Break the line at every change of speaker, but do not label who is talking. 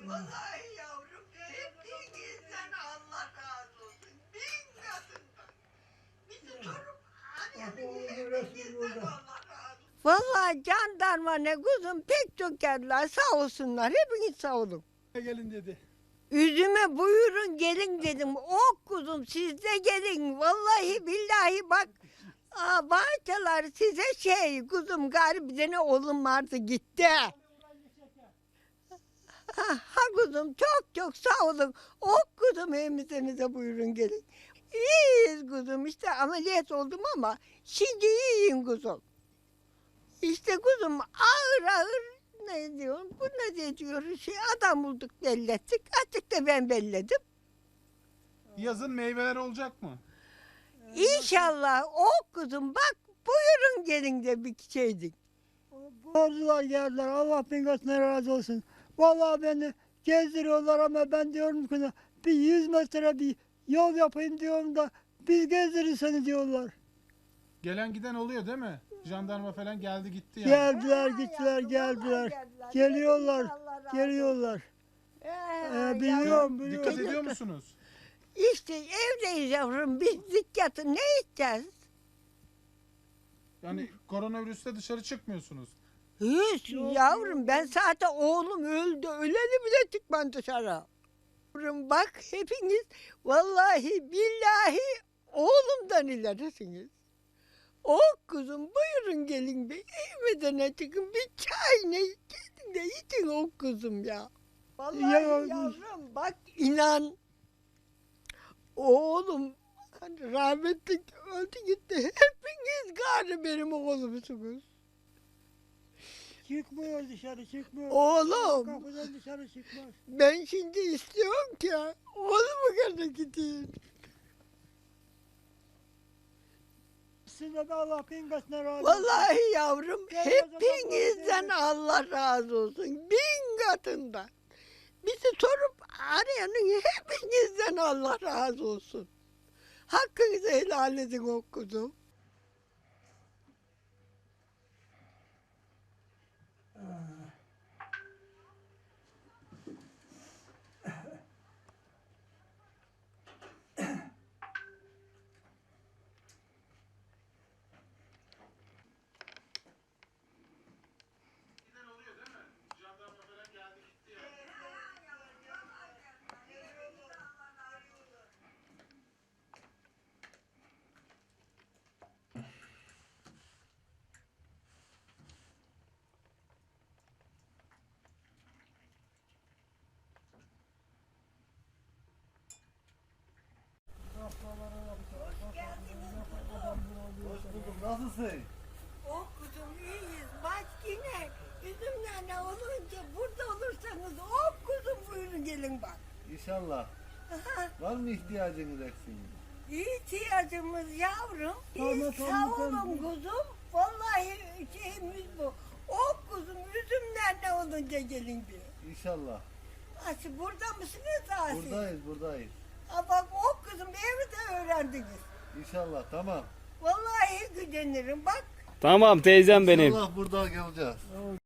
Vallahi yavrum hepinizden Allah razı olsun. Bin katından. Bizi sorup arayanın hepinizden Allah razı olsun. Vallahi jandarma ne kuzum pek çok geldiler sağ olsunlar hepiniz sağ olun.
Gelin dedi.
Üzüme buyurun gelin dedim. Ok kuzum siz de gelin. Vallahi billahi bak. Bahçeler size kuzum gari bir tane oğlum vardı gitti. Ha kuzum çok çok sağ olun. Ok kuzum evimize buyurun gelin. İyiyiz kuzum işte ameliyat oldum ama şimdi iyiyim kuzum. İşte kuzum ağır ağır ne diyorum bu ne diyor adam bulduk belli ettik. Artık da ben belledim.
Yazın meyveler olacak mı?
İnşallah o kuzum bak buyurun gelin de bir şeydik.
Borcular geldiler. Allah bin katına razı olsun. Vallahi beni gezdiriyorlar ama ben diyorum ki bir 100 metre bir yol yapayım diyorum da biz gezdirin seni diyorlar.
Gelen giden oluyor değil mi? Jandarma falan geldi gitti yani.
Geldiler gittiler geldiler. Geliyorlar. Geliyorlar. Biliyorum
Dikkat
biliyorum.
ediyor musunuz?
İşte evdeyiz yavrum biz dikkatı ne edeceğiz?
Yani koronavirüste dışarı çıkmıyorsunuz.
Hiç yavrum ben zaten oğlum öldü öleli bile çıkmam dışarı. Yavrum bak hepiniz vallahi billahi oğlumdan ilerisiniz. Kuzum buyurun gelin bir evime çıkın bir çay ne gelin de için kuzum ya. Vallahi yavrum bak inan oğlum hani rahmetli öldü gitti hepiniz gari benim oğlumsunuz.
Çıkmıyor dışarı çıkmıyor.
Oğlum
Kapıdan dışarı çıkmaz.
ben şimdi istiyorum ki oğlumu gene gideyim.
Size de Allah bin katına razı olsun.
Vallahi yavrum hepinizden Allah razı olsun. Bin katından. Bizi sorup arayanın hepinizden Allah razı olsun. Hakkınızı helal edin o kuzum.
Hoş bulduk. Nasılsın?
Kuzum iyiyiz. Bak yine üzümlerle olunca burada olursanız kuzum buyurun gelin bak.
İnşallah. Var mı ihtiyacınız eksiğiniz?
İhtiyacımız yavrum.
Tamam,
Sağ
tamam,
olun
tamam.
kuzum. Vallahi şeyimiz bu. Kuzum üzümlerle olunca gelin bir.
İnşallah.
Asıl burada mısınız Asi?
Buradayız.
Bak kuzum evde öğrendiniz.
İnşallah. Tamam.
Vallahi gücenirim bak.
Tamam teyzem benim.
İnşallah burada geleceğiz.